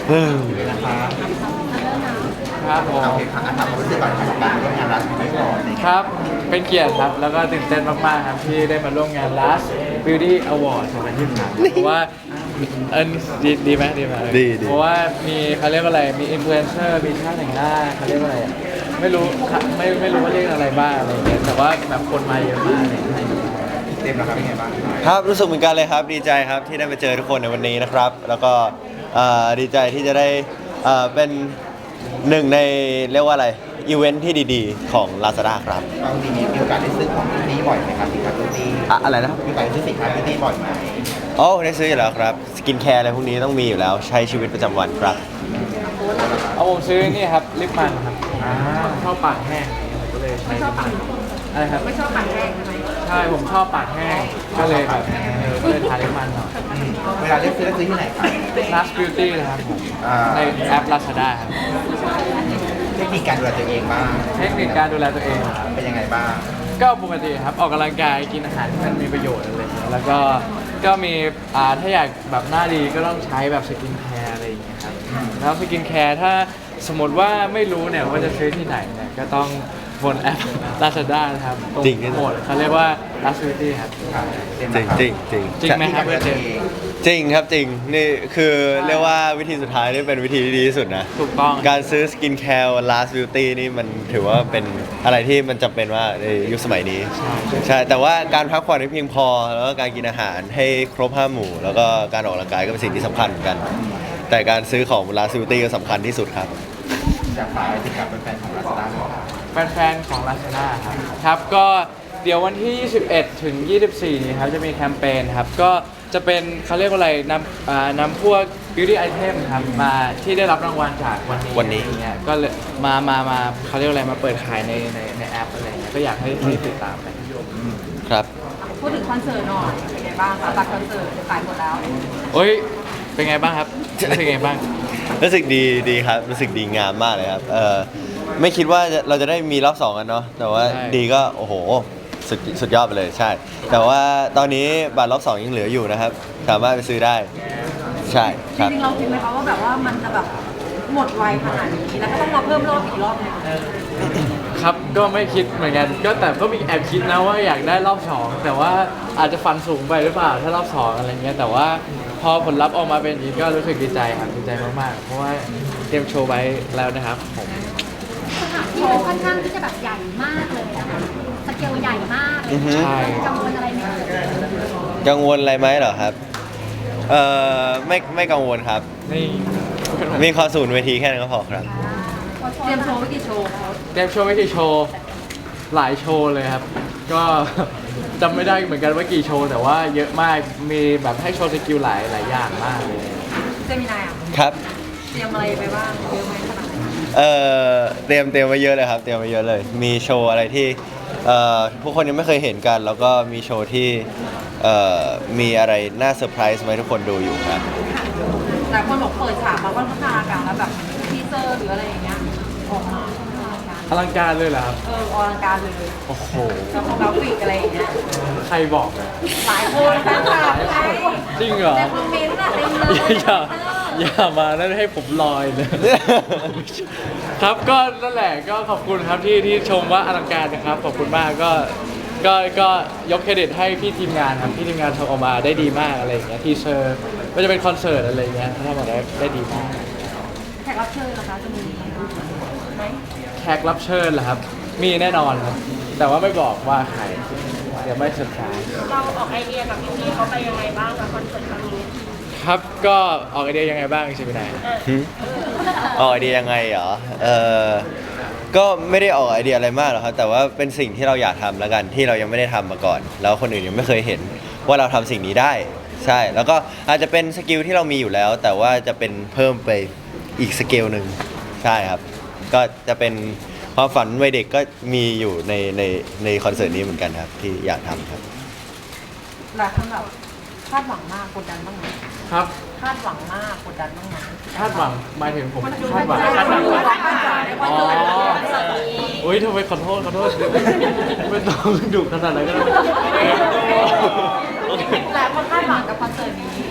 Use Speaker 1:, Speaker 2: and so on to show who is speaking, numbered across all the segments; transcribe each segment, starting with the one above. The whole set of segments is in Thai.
Speaker 1: นะคะ
Speaker 2: ครับผม
Speaker 1: โอเคค่ะถามความรู้สึกก่อนกับการร่วมงานรัฐไม่ก่อน
Speaker 2: ครับเป็นเกียรติครับแล้วก็ตื่นเต้นมากๆครับที่ได้มาร่วมงาน Last Beauty Award 2023เพราะว่าดีไหมดีไหม
Speaker 3: ดี
Speaker 2: เพราะว่ามีเขาเรียกว่าอะไรมีอินฟลูเอนเซอร์มีช่างแต่งหน้าเขาเรียกว่าอะไรอะไม่รู้ไม่รู้ว่าเรียกอะไรบ้างอะไรอย่างเงี้ยแต่ว่าแบบคนมาเยอะมากเลย
Speaker 1: เต็มนะครับเป็นไงบ้าง
Speaker 3: ครับรู้สึกเหมือนกันเลยครับดีใจครับที่ได้มาเจอทุกคนในวันนี้นะครับ แล้วก็ดีใจที่จะได้เป็นหนึ่งในเรียกว่าอะไรอีเวนท์ที่ดีๆของ Lazada ครับ
Speaker 1: บางทีมีโอกาสได้ซื้อของที่นี่บ่อยไหมครับสินค้าที่นี่
Speaker 3: อะไรนะ
Speaker 1: มีโอกาสได้ซื้อสินค้าที่นี่บ่อยไหม
Speaker 3: โอ้ได้ซื้ออยู่แล้วครับสกินแคร์อะไรพวกนี้ต้องมีอยู่แล้วใช้ชีวิตประจำวันครับ
Speaker 2: เอาผมซื้อนี่ครับลิปมันครับชอบปากแห้งผมก็เลยใช้ลิปมันอะไรครับไม่ชอบปากแห้งใช่ไหมใช่ผมชอบปากแห้งก็เลยแบบก็เลยทาลิปมันหน่อย
Speaker 1: เวลาได้ซื้อได้ซื้อที่ไหนครับ
Speaker 2: Last Beauty นะครับผมในแอป Lazada ครับ
Speaker 1: เทคนิคการดูแลตัวเองบ้าง
Speaker 2: เทคนิคการดูแลตัวเองครับ
Speaker 1: เป็นยังไงบ้าง
Speaker 2: ก็ปกติครับออกกำลังกายกินอาหารที่มันมีประโยชน์อะไรอย่างเงี้ยแล้วก็มีถ้าอยากแบบหน้าดีก็ต้องใช้แบบสกินแคร์อะไรอย่างเงี้ยครับแล้วสกินแคร์ถ้าสมมติว่าไม่รู้เนี่ยว่าจะซื้อที่ไหนเนี่ยก็ต้องบนแอป Lazada นะครับตรง
Speaker 3: จริง
Speaker 2: โหมดเขาเรียกว่า Last Beauty ครับ
Speaker 1: เต็ม
Speaker 3: จริ
Speaker 1: นะ
Speaker 3: ง
Speaker 1: ครับ
Speaker 3: จริงจริง
Speaker 2: จริงไหมครับเพื่อนเจมส์
Speaker 3: จริงครับจริงนี่คือเรียกว่าวิธีสุดท้ายนี่เป็นวิธีที่ดีที่สุดนะ
Speaker 2: ถูกต้อง
Speaker 3: การซื้อสกินแคร์ Last Beauty นี่มันถือว่าเป็นอะไรที่มันจำเป็นว่าในยุคสมัยนี้ ใช่ แต่ว่าการพักผ่อนให้เพียงพอ แล้วก็การกินอาหารให้ครบ5 หมู่ แล้วก็การออกกำลังกายก็เป็นสิ่งที่สำคัญเหมือนกัน แต่การซื้อของ Last Beauty ก็สำคัญที่สุดครับ
Speaker 1: อยากฝากอะไรถึงกับแฟนๆของรัสตาร์ครับ
Speaker 2: แฟนๆของ Lazada ครับครับก็เดี๋ยววันที่ 21 ถึง 24 นี้ครับจะมีแคมเปญครับก็จะเป็นเขาเรียกว่าอะไรนำพวก beauty item ครับมาที่ได้รับรางวัลจากวันนี้อย่างเงี้ยก็เลยมาเขาเรียกว่าอะไรมาเปิดขายในแอปอะไรเงี้ยก็อยากให้ติดตามไป
Speaker 3: ครับ
Speaker 4: พูดถึงคอนเสิร์ตหน่อยเป็นไงบ้างคะบัตรคอนเสิร์ตขายหมดแล้ว
Speaker 2: โอ้ยเป็นไงบ้างครับรู้สึกไงบ้าง
Speaker 3: รู้สึกดีครับ รู้สึกดีงามมากเลยครับไม่คิดว่าเราจะได้มีรอบ2กันเนาะ แต่ว่า
Speaker 2: ใช่
Speaker 3: ดีก็โอ้โหสุดยอดไปเลยใช่ แต่ว่าตอนนี้บัตรรอบ2ยังเหลืออยู่นะครับ สามารถไปซื้อได้ ใช่
Speaker 4: จ
Speaker 3: ครับ
Speaker 4: ริงๆเราคิดไหมคะว่าแบบว่ามันจะแบบหมดไวขนาดนี้แล้วก็ต้องมาเพิ่มรอบอีกรอบหนึง
Speaker 2: ครับก็ไม่คิดเหมือนกันก็แต่ก็มีแอบคิดนะว่าอยากได้รอบ2แต่ว่าอาจจะฟันสูงไปหรือเปล่าถ้ารอบ2อะไรเงี้ยแต่ว่าพอผลลัพธ์ออกมาเป็นอย่างนี้ก็รู้สึกดีใจครับดีใจมากๆเพราะว่าเตรียมโชว์ไว้แล้วนะครับผม
Speaker 5: สถานที่มันค่อนข้างที่จะแบบใหญ่มากเลยนะคะสเกลใหญ่มากเลย
Speaker 3: อือฮึ
Speaker 2: ใช่
Speaker 5: กังวลอะไรไหมเอ่ย
Speaker 3: กังวลอะไรไหมเหรอครับไม่กังวลครับ
Speaker 2: นี่
Speaker 3: มีคอศูนย์เวทีแค่นั้นก็พอครับ
Speaker 4: เตรียมโชว์ไว้กี่โชว์คะ
Speaker 2: เตรียมโชว์ไม่กี่โชว์หลายโชว์เลยครับ ก็ จำไม่ได้เหมือนกันว่ากี่โชว์แต่ว่าเยอะมากมีแบบให้โชว์สกิลหลายอย่างมากเลย
Speaker 4: เจมินายอ่ะ
Speaker 3: ครับ
Speaker 4: เตรียมอะไรไปบ้างเยอะไหมขนาดไหน
Speaker 3: เตรียมไว้เยอะเลยครับ เตรียมไว้เยอะเลย มีโชว์อะไรที่ผู้คนยังไม่เคยเห็นกัน แล้วก็มีโชว์ที่มีอะไรน่าเซอร์ไพรส์ไหมาให้ทุกคนดูอยู่ครับ
Speaker 4: หลายคนบอกเปิดฉากมาก็พัฒนาการแล้วแบบทีเซอร์หรืออะไรอย่างเงี้ยออกมาอลังการ
Speaker 2: อลังการเลยเหรอครับ
Speaker 4: อลังการเลย
Speaker 2: โอ้โห
Speaker 4: แล้วของกราฟิกอะไรอย่างเงี้ย
Speaker 2: ใครบอกอะ
Speaker 4: หลายคนแฟนคลับหลายคน
Speaker 2: จริงเหรอ
Speaker 4: ในคอมเมนต์อะเต็มเลย
Speaker 2: อย่ามาแล้วให้ผมลอยเลย ครับก็นั่นแหละก็ขอบคุณครับที่ชมว่าอลังการนะครับขอบคุณมากก็ยกเครดิตให้พี่ทีมงานครับพี่ทีมงานทำออกมาได้ดีมากอะไรอย่างเงี้ยทีเซอร์ก็จะเป็นคอนเสิร์ตอะไรอย่างเงี้ยเขาทำออกมาได้ดีมาก
Speaker 4: แขกรับเชิญนะคะจะมีไหม
Speaker 2: แขกรับเชิญเหรอครับ มีแน่นอนครับ แต่ว่าไม่บอกว่าใครเดี๋ยวไม่เซอร์ไพรส์
Speaker 4: เราออกไอเดียกับพี่ๆเขาไปยังไงบ้างกับคอนเสิร์ตครั้งนี้
Speaker 2: ครับก็ออกไอเดียยังไงบ้างใช่ไหมนาย
Speaker 3: ออกไอเดียยังไงเหรอก็ไม่ได้ออกไอเดียอะไรมากหรอกครับ แต่ว่าเป็นสิ่งที่เราอยากทำแล้วกันที่เรายังไม่ได้ทำมาก่อน แล้วคนอื่นยังไม่เคยเห็นว่าเราทำสิ่งนี้ได้ ใช่ แล้วก็อาจจะเป็นสกิลที่เรามีอยู่แล้ว แต่ว่าจะเป็นเพิ่มไปอีกสเกลหนึ่งใช่ครับ ก็จะเป็นความฝันวัยเด็กก็มีอยู่ในคอนเสิร์ตนี้เหมือนกันครับที่อยากทำครับ
Speaker 4: หลายคนแบบคาดหวังมากกดดันบ้างไหม
Speaker 2: ครับ
Speaker 4: คาดหวังมากกดดันบ้างไหม
Speaker 2: คาดหวังหมายถึงผมคาดหวัง
Speaker 4: คาดหวังในคอนเสิร์ตนี้
Speaker 2: อุ้ยทำไมขอโทษไม่ต้องดุขนาดนั้นก็ได้
Speaker 4: หลายคนคาดหวังกับคอนเสิร์ตนี้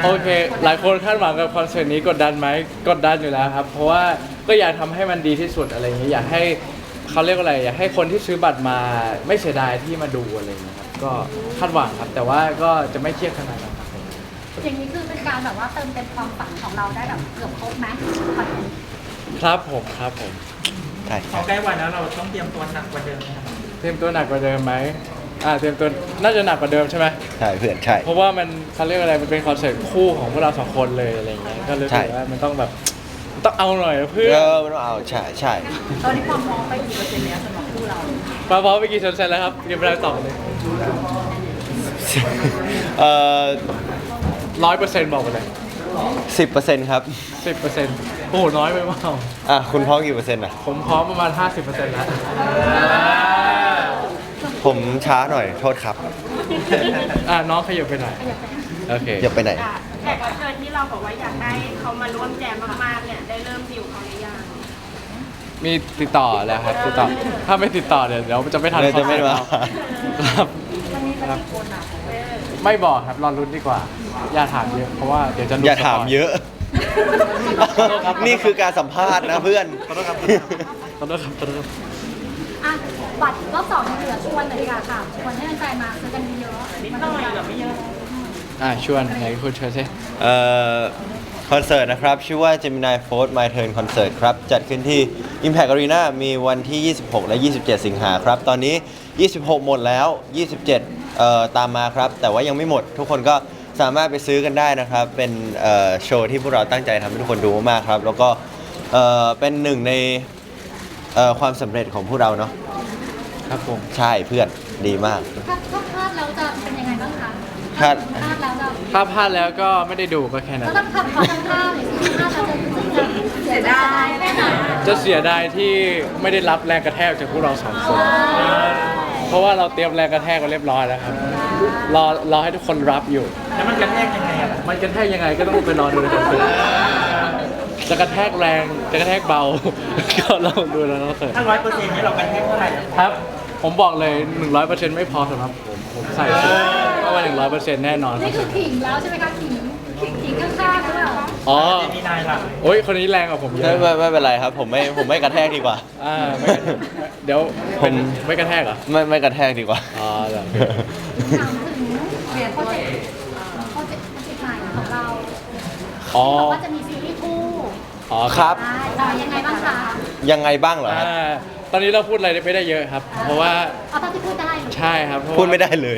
Speaker 2: โอเค หลายคนคาดหวังกับคอนเสิร์ตนี้กดดันไหมกดดันอยู่แล้วครับ เพราะว่าก็อยากทำให้มันดีที่สุดอะไรอย่างเงี้ยอยากให้เขาเรียกว่าอะไรอยากให้คนที่ซื้อบัตรมาไม่เสียดายที่มาดูอะไรอย่างเงี้ยครับก็คาดหวังครับ แต่ว่าก็จะไม่เครียดขนาดนั้นครับ
Speaker 5: อย่างนี้คือเป็นการแบบว่าเติมเต็มความฝันของเราได้แบบเกือบครบไหมคอนเทนต์
Speaker 2: ครับผมครับผม
Speaker 3: ใช่
Speaker 6: พอใกล้วันแล้วเราต้องเตรียมตัวหนักกว่าเดิมไหมครับ
Speaker 2: เตรียมตัวหนักกว่าเดิมไหมเตรียมตัวน่าจะหนักกว่าเดิมใช่ไหม
Speaker 3: ใช่เพื่อนใช่
Speaker 2: เพราะว่ามันเขาเรียกอะไรมันเป็นคอนเสิร์ตคู่ของพวกเราสองคนเลยอะไรอย่างเงี้ยก็เลยรู้สึก
Speaker 3: ใช่
Speaker 2: ว่ามันต้องแบบต้องเอาหน่อยเพื่อ
Speaker 3: มันต้องเอาใช่ใช่
Speaker 4: ตอนนี้ความพร้อมไปกี่เปอร์เซ็นต์แล้วสำหรับคู่เรา
Speaker 2: มาพร้อมไปกี่เซนแล้วครับยังไม่ได้ตอบเลย
Speaker 3: เอ่อ
Speaker 2: 100%บอกไปเลย
Speaker 3: 10%ครับ
Speaker 2: 10%โอ้โหน้อยไปเปล่า
Speaker 3: คุณพร้อมกี่เปอร์เซ็นต์อ่ะ
Speaker 2: ผมพร้อมประมาณ 50%แล้ว
Speaker 3: ผมช้าหน่อยโทษครับ
Speaker 2: น้องขยับไปหน่อยโอเค
Speaker 3: อย่าไปไหน
Speaker 7: แขกรับเชิญที่เราบอกว่าอยากได้เขามาร่วมแจมมากๆเนี่ยได้เริ่มดิวเขาหรือยัง
Speaker 2: มีติดต่อแล้วครับติดต่อถ้าไม่ติดต่อเดี๋ยวจะไม่ทัน
Speaker 3: เดี๋ยวจะไม่มา
Speaker 2: ครับครับไม่บอกครับรอรุ้นดีกว่า อย่าถามเยอะเพราะว่าเดี๋ยวจะรู้
Speaker 3: อย่าถามเยอะ
Speaker 2: ขอโทษครับ
Speaker 3: นี่คือการสัมภาษณ์นะเพื่อน
Speaker 2: ขอโทษครับขอโทษครับขอโทษครับ
Speaker 5: อ่ะบัตรรอบ2ยังเหลือชวนเลยดีกว่าค่ะชวนให้แฟนๆมาซื้อกันเยอะๆ
Speaker 7: นิดหน่อยกับไม่เยอะ
Speaker 2: ชวนไหนคุณเชิญสิ
Speaker 3: คอนเสิร์ตนะครับ ชื่อว่า Gemini Fold My Turn Concert ครับ จัดขึ้นที่ Impact Arena มีวันที่ 26 และ 27 สิงหาครับ ตอนนี้ 26 หมดแล้ว 27 ตามมาครับ แต่ว่ายังไม่หมด ทุกคนก็สามารถไปซื้อกันได้นะครับ เป็นโชว์ที่พวกเราตั้งใจทำให้ทุกคนดูมากๆครับ แล้วก็เป็นหนึ่งในความสำเร็จของพวกเราเนาะ
Speaker 2: ครับผม
Speaker 3: ใช่เพื่อนดีมาก
Speaker 5: ถ้าพลาดแล้วจะเป็นยังไงบ้างคะ
Speaker 3: พลาด
Speaker 5: พลาดแล้วจะ
Speaker 2: ถ้าพลาดแล้วก็ไม่ได้ดูก็แค่นั้น
Speaker 5: ก็ต้องทำเขาทำท่าหน่อยสิพลาดแล้วจะเสียดายแน่นอน
Speaker 2: จะเสียดายที่ไม่ได้รับแรงกระแทกจากพวกเราสองคน เพราะว่าเราเตรียมแรงกระแทกไว้เรียบร้อยแล้วครับ รอให้ทุกคนรับอยู่
Speaker 6: แล้วมันกระแทกยังไงอะล่ะ
Speaker 2: มันกระแทกยังไงก็ต้องไปรอดูในคอนเสิร์ตจะกระแทกแรงจะกระแทกเบา ก็ลองดูแล้วคอนเสิร์ต
Speaker 6: ถ้า100%นี่เรากระแทกเท่าไหร่อะ
Speaker 2: ครับ ผมบอกเลย 100%ไม่พอสำหรับผมใส่ชุดก็ว่า100%แน่นอน
Speaker 5: นี่คือขิงแล้วใช่ไหมคะขิงข้างๆหรือเปล่า
Speaker 2: อ๋อ
Speaker 6: เจมินายล่ะ
Speaker 2: โอ้ยคนนี้แรงกว่าผมเย
Speaker 3: ไม่
Speaker 2: อะ
Speaker 3: เป็นไรครับ ผมไม่กระแทกดีกว่า
Speaker 2: ไม่กระแทกเดี๋ยว
Speaker 3: ผม
Speaker 2: ไม่กระแทกเหรอ
Speaker 3: ไม่กระแทกดีกว่า
Speaker 2: อ๋อเหรอ
Speaker 5: ถามถึงเปลี่ยนโปรเจกต์ใหม่ของเรา
Speaker 2: อ๋อ
Speaker 5: ที่บอกว่าจะมีซีรีส์คู่
Speaker 2: อ๋อ
Speaker 3: ครับ
Speaker 5: ยังไงบ้างคะ
Speaker 3: ยังไงบ้างเหรอครับ
Speaker 2: ตอนนี้เราพูดอะไรไม่ได้เยอะครับ เพราะว่า
Speaker 5: เอาเท่าที่พูดได้
Speaker 2: ใช่ครับเพราะว่า
Speaker 3: พูดไม่ได้เลย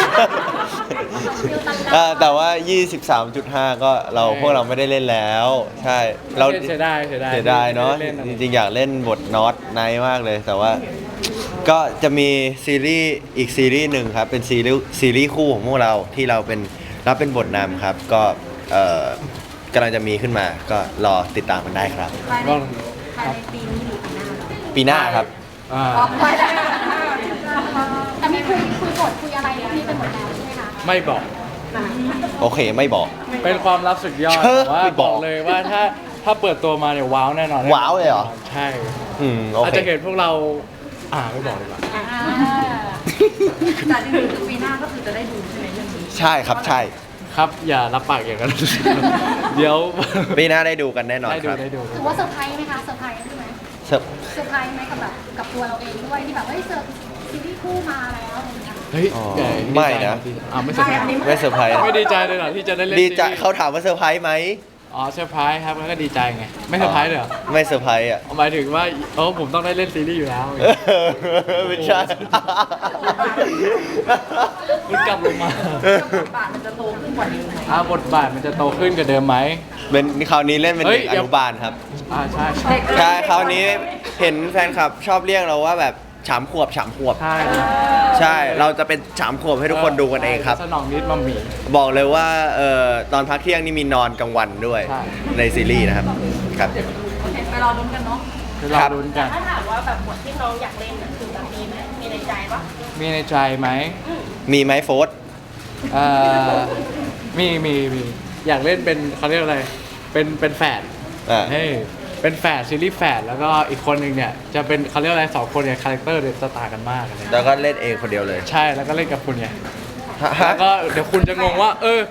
Speaker 3: แต่ว่า 23.5 ก็พวกเราไม่ได้เล่นแล้ว ใช่ เรา
Speaker 2: เสียดาย
Speaker 3: เสียดายเนาะ
Speaker 2: ไม่ได้ล่
Speaker 3: จริงๆ อยากเล่นบทน็อตไนท์มากเลย แต่ว่าก็จะมีซีรีส์อีกซีรีส์หนึ่งครับ เป็นซีรีส์คู่ของพวกเราที่เรารับเป็นบทนำครับ ก็กำลังจะมีขึ้นมา ก็รอติดตามกันได้ครับ
Speaker 2: ก็
Speaker 4: ภายในปีนี้หรือปีหน้า
Speaker 3: ปีหน้าครับ
Speaker 2: อ่า
Speaker 4: ไปได้
Speaker 5: แต่มีคุยบทคุยอะไรพวกนี้ไปหมดแล้วใช่ไหมคะ
Speaker 2: ไม่บอก
Speaker 3: โอเคไม่บอก
Speaker 2: เป็นความลับสุดยอด
Speaker 3: เชิญ
Speaker 2: แต่ว่า
Speaker 3: ไม่
Speaker 2: บบ อ
Speaker 3: อก ก
Speaker 2: เลยว่าถ้าเปิดตัวมาเนี่ยว้าวแน่นอน
Speaker 3: ว้าวเลยเหรอ
Speaker 2: ใช่
Speaker 3: โอ
Speaker 2: อาจ
Speaker 3: เค
Speaker 2: จะเห็นพวกเราไม่บอกดีกว่า
Speaker 4: แต่จริงๆคือปีหน้าก็คือจะได้ดูใช่ไหมเรื่องนี้
Speaker 3: ใช่ครับใช่
Speaker 2: ครับอย่ารับปากอย่างนั้น เดี๋ยว
Speaker 3: ปีหน้าได้ดูกันแน่นอน
Speaker 2: ได้
Speaker 3: ค
Speaker 2: ดู
Speaker 3: รับ
Speaker 2: ได้ดู
Speaker 5: ถือว่าเซอร์ไพรส์ไหมคะเซอร์ไพรส์ใช่ไหม
Speaker 3: เสิร์ฟ
Speaker 5: เซอร์ไพรส์ไหมกับตัวเราเองด้วยที่แบบเฮ้ยซีรีส์คู่มาแล้วอะไรอย่างเงี้ย
Speaker 2: เฮ้ย
Speaker 3: อ๋อ
Speaker 2: ใหญ่
Speaker 3: ไม่นะ
Speaker 2: ไม่เซอร์ไพรส์
Speaker 3: ไม่เซอร์ไพรส์
Speaker 2: ไม่ดีใจเลยเหรอที่จะได้เล่น
Speaker 3: ดีใจ
Speaker 2: ซีรีส์
Speaker 3: เขาถามว่าเซอร์ไพรส์ไหม
Speaker 2: อ๋อเซอร์ไพรส์ครับแล้วก็ดีใจไงไม่เซอร์ไพรส์เลยเหรอ
Speaker 3: ไม่เซอร์ไพรส์อ่ะ
Speaker 2: หมายถึงว่าผมต้องได้เล่นซีรีส์อยู่แล้ว
Speaker 3: ไม่ใช่
Speaker 2: คุณกลับลงมา
Speaker 4: บทบาทมันจะโตขึ้นกว่านี้ไหม
Speaker 2: บทบาทมันจะโตขึ้นกว่าเดิมไหม
Speaker 3: เป็นคราวนี้เล่นเป็น
Speaker 2: เฮ้
Speaker 3: เด็
Speaker 2: ย
Speaker 3: กอนุบาลครับ
Speaker 2: ใช่
Speaker 3: ใช่คราวนี้เห็นแฟนคลับชอบเรียกเราว่าแบบฉามขวบ
Speaker 2: ใช่
Speaker 3: ใช่ เราจะเป็นฉามขวบให้ทุกคนดูกันเองครับ
Speaker 2: สนองนิดมัมหมี่
Speaker 3: บอกเลยว่าตอนพักเที่ยงนี่มีนอนกลางวันด้วย
Speaker 2: ใช่
Speaker 3: ในซีรีส์นะครับครับ
Speaker 4: โอเคไปรอลุ้นกันเนาะ
Speaker 2: คือเราลุ้นกัน
Speaker 7: ถ้าถามว่าแบบบทที่น้องอยากเล่นน่ะคือแบบมีไหมมีในใจปะ
Speaker 2: มีในใจไหม
Speaker 3: มีไหมโฟส
Speaker 2: เอ่อมีอยากเล่นเป็นเขาเรียกอะไรเป็นแฝด
Speaker 3: อ่า
Speaker 2: เฮ้ยเป็นแฝดซีรีส์แฝดแล้วก็อีกคนหนึ่งเนี่ยจะเป็นเขาเรียกอะไร2 คนเนี่ยคาแรคเตอร์เนี่ยจะต่างกันมากอะไร
Speaker 3: แล้วก็เล่นเองคนเดียวเลย
Speaker 2: ใช่แล้วก็เล่นกับคุณไง
Speaker 3: ฮะ
Speaker 2: แล้วก็เดี๋ยวคุณจะงงว่า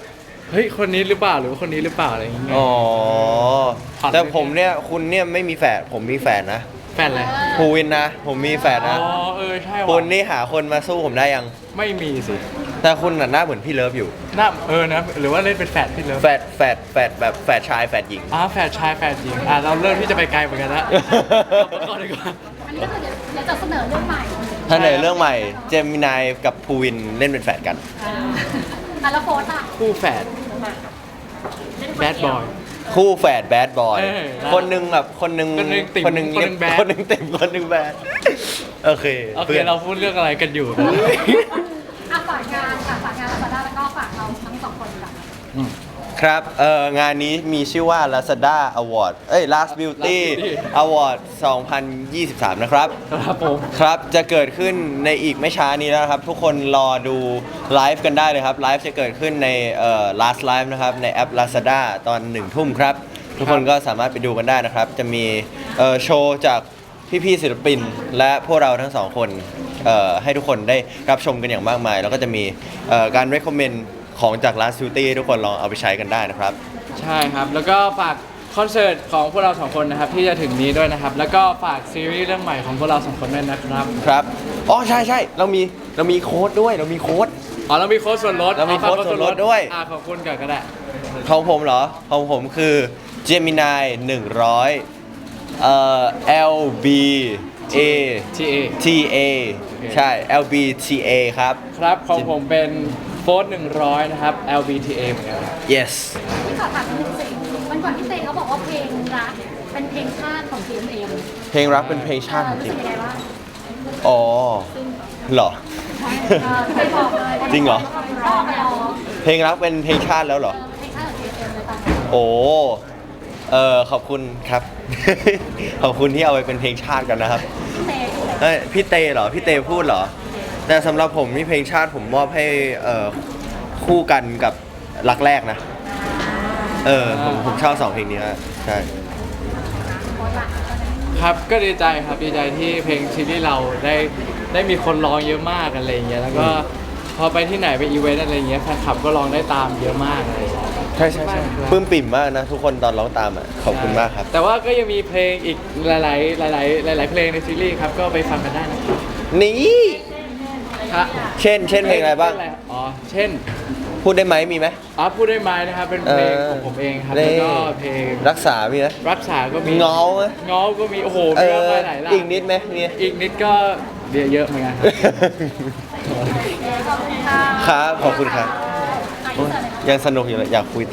Speaker 2: เฮ้ยคนนี้หรือเปล่าหรือว่าคนนี้หรือเปล่าอะไรอย่างเงี้ย
Speaker 3: อ๋อ
Speaker 2: ผ่าน
Speaker 3: แต่ผมเนี่ยคุณเนี่ยไม่มีแฝดผมมีแฝดนะ
Speaker 2: แฟนอะไร
Speaker 3: ภูวินนะ ผมมีแฝด
Speaker 2: อ๋
Speaker 3: นะ
Speaker 2: อใช่ว่ะ
Speaker 3: คุณนี่หาคนมาสู้ผมได้ยัง
Speaker 2: ไม่มีสิ
Speaker 3: แต่คุณน่ะหน้าเหมือนพี่เลิฟอยู่
Speaker 2: น่านะหรือว่าเล่นเป็นแฟนพี่เลิฟ
Speaker 3: แฝดแบบแฝดชายแฝดหญิง
Speaker 2: แฟนชายแฟนหญิงเราเริ่มที่จะไปไกลเหมือนกันละก่อนดีกว่า
Speaker 5: อันนี้ก็คือเดี๋ยวจะเสนอเรื่องใหม่
Speaker 3: ถ้าในเรื่องใหม่เจมินายกับภูวินเล่นเป็นแฝดกัน
Speaker 5: แล้วโฟสอ่ะ
Speaker 2: คู่แฝดแบดบอย
Speaker 3: คู่แฝดแบดบอย
Speaker 2: เออ
Speaker 3: คนหนึ่งแบบคนหนึ่ง
Speaker 2: คนหนึ่งติ่ม
Speaker 3: คนหนึ่ง
Speaker 2: คนหนึ่งแบด
Speaker 3: คนหนึ่งติ่มคนหนึ่งแบดโอเค
Speaker 2: โอเค
Speaker 3: พื่น
Speaker 2: เราพูดเรื่องอะไรกันอยู่
Speaker 5: ฝากงานค่ะฝากงานลาซาด้าแล้วก็ฝากเราทั้งสองคนค่ะ
Speaker 3: ครับงานนี้มีชื่อว่า Lazada Award Last Beauty Award 2023 นะครับ
Speaker 2: ครับผม
Speaker 3: ครับ จะเกิดขึ้นในอีกไม่ช้านี้แล้วนะครับ ทุกคนรอดูไลฟ์กันได้เลยครับ ไลฟ์จะเกิดขึ้นในLast Live นะครับ ในแอป Lazada ตอน 1 ทุ่มครับ ทุกคนก็สามารถไปดูกันได้นะครับ จะมีโชว์จากพี่ๆศิลปิน และพวกเราทั้งสองคนให้ทุกคนได้รับชมกันอย่างมากมาย แล้วก็จะมีการ recommend ของจาก Last Beauty ทุกคนลองเอาไปใช้กันได้นะครับ
Speaker 2: ใช่ครับ แล้วก็ฝากคอนเสิร์ตของพวกเราสองคนนะครับที่จะถึงนี้ด้วยนะครับ แล้วก็ฝากซีรีส์เรื่องใหม่ของพวกเราสองคนด้วยนะครับ
Speaker 3: ครับ อ๋อ ใช่เรามีโค้ดด้วย เรามีโค้ด
Speaker 2: เรามีโค้ดส่วนลด
Speaker 3: เรามีโค้ดส่วนลดด้วย
Speaker 2: ขอบคุณก่อนก็ได้
Speaker 3: ของผมเหรอ ของผมคือ Gemini 100 LB A
Speaker 2: TA
Speaker 3: TA ใช่ LB TA ครับ
Speaker 2: ครับของผมเป็นโฟร์100นะครับ LBTA เหมือนกันครับ
Speaker 3: yes
Speaker 5: ที่ขอถามนิดนึงสิวันก่อนพี่เตเขาบอกว่าเพลงรักเป็นเพลงชาติของ GMM
Speaker 3: เพลงรักเป็นเพลงชาติจ
Speaker 5: รู้
Speaker 3: ริ
Speaker 5: สึ
Speaker 3: ง
Speaker 5: กยังไงบ้าง
Speaker 3: อ๋อเหรอ
Speaker 5: เคยบอกเลย
Speaker 3: จริงเหรอ
Speaker 5: บอกไปอ๋อ
Speaker 3: เพลงรักเป็นเพลงชาติแล้วเหรอ
Speaker 5: เพลงชาติของ GMM เลยตอนนี้
Speaker 3: โอ้ขอบคุณครับ ขอบคุณที่เอาไปเป็นเพลงชาติกันนะครับ
Speaker 5: พี่เต
Speaker 3: พี่เตเหรอ พี่เตพูดเหรอ แต่สำหรับผมนี่เพลงชาติผมมอบให้คู่กันกับรักแรกนะ ผมชอบ2เพลงนี้ฮะใช่
Speaker 2: ครับก็ดีใจครับดีใจที่เพลงซีรีส์เราได้มีคนร้องเยอะมากอะไรอย่างเงี้ยแล้วก็พอไปที่ไหนไปอีเวนต์อะไรอย่างเงี้ยแฟนคลับก็ร้องได้ตามเยอะมากอะไรอย่างเงี้ย
Speaker 3: ใช่ปลื้มปิ่มมากนะ ทุกคนตอนร้องตามอ่ะ ขอบคุณมากครับ
Speaker 2: แต่ว่าก็ยังมีเพลงอีกหลายเพลงในซีรีส์ครับก็ไปฟังกันได้นะครับ
Speaker 3: นี่
Speaker 2: ครับ
Speaker 3: เช่นเพลงอะไรบ้าง
Speaker 2: อ๋อเช่น
Speaker 3: พูดได้ไหมมีไหม
Speaker 2: พูดได้ไหมนะครับเป็นเพลงของผมเองครับ
Speaker 3: นี่
Speaker 2: แล้วก็เพลง
Speaker 3: รักษามีไหม
Speaker 2: รักษาก็มี
Speaker 3: เงาไหม
Speaker 2: เงาก็มีโอ้โหมีมากมายหลายหลาย
Speaker 3: อีกนิดไหมมี
Speaker 2: อีกนิดก็เยอะเหมือนกันครับ
Speaker 5: ขอบคุณค่ะ
Speaker 3: ครับ ขอบคุณครับ
Speaker 5: อ่ะอินเสิร์ตเลยนะ
Speaker 3: ยังสนุกอยู่เลยอยากคุยต่อ